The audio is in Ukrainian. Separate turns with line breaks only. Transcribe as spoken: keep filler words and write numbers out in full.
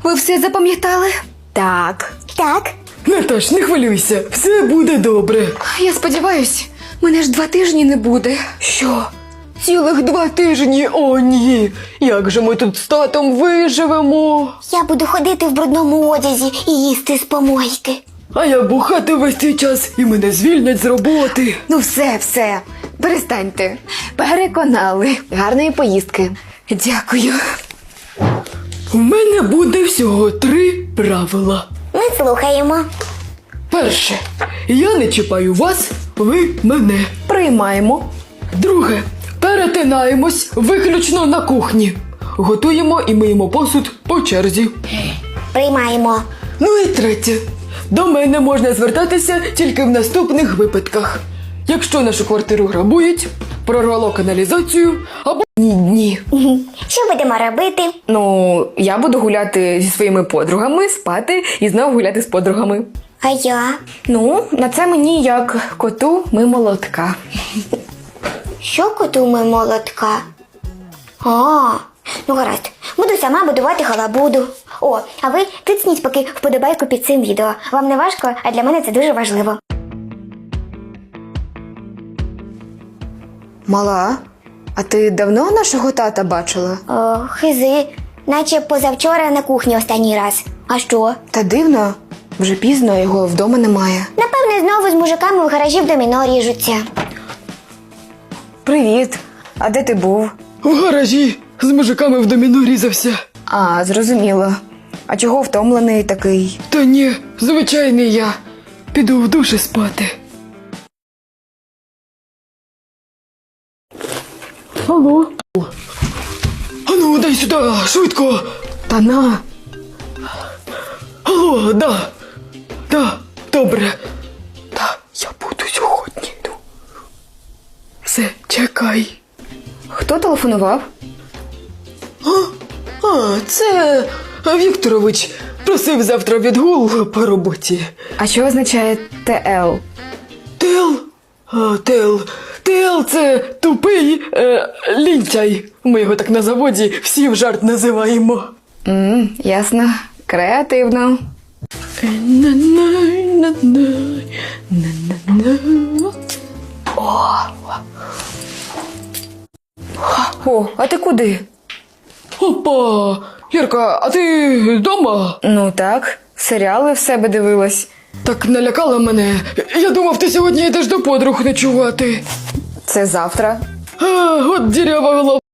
Ви все запам'ятали? Так.
Так.
Наташ, не хвилюйся, все буде добре.
Я сподіваюсь, мене ж два тижні не буде.
Що? Цілих два тижні? О, ні! Як же ми тут з татом виживемо?
Я буду ходити в брудному одязі і їсти з помойки.
А я бухати весь цей час і мене звільнять з роботи.
Ну все, все. Перестаньте. Переконали. Гарної поїздки. Дякую.
У мене буде всього три правила.
Ми слухаємо.
Перше. Я не чіпаю вас, ви мене.
Приймаємо.
Друге. Перетинаємось виключно на кухні. Готуємо і миємо посуд по черзі.
Приймаємо.
Ну і третє. До мене можна звертатися тільки в наступних випадках. Якщо нашу квартиру грабують, прорвало каналізацію або ні.
Що будемо робити?
Ну, я буду гуляти зі своїми подругами, спати і знову гуляти з подругами.
А я?
Ну, на це мені як коту ми молотка.
Що котуме молотка? А, ну гаразд. Буду сама будувати халабуду. О, а ви тицніть поки вподобайку під цим відео. Вам не важко, а для мене це дуже важливо.
Мала, а ти давно нашого тата бачила?
О, хизи. Наче позавчора на кухні останній раз. А що?
Та дивно, вже пізно, його вдома немає.
Напевне, знову з мужиками в гаражі в доміно ріжуться.
Привіт, а де ти був?
У гаражі з мужиками в доміно різався.
А, зрозуміло. А чого втомлений такий?
Та ні, звичайний я. Піду в душі спати. Алло? Ану, дай сюди, швидко.
Та на.
Алло, да. Да, добре. Да, я буду сьогодні. Ну. Все, чекай.
Хто телефонував?
А, це Вікторович просив завтра відгул по роботі.
А що означає ТЛ?
Тел? А, тел. Тел – це тупий е, лінтяй. Ми його так на заводі всі в жарт називаємо.
Мм, ясно. Креативно. О, а ти куди?
Опа! Ярка, а ти вдома?
Ну так, серіали в себе дивилась.
Так налякала мене. Я думав, ти сьогодні йдеш до подруг ночувати.
Це завтра.
А, от дірява голова.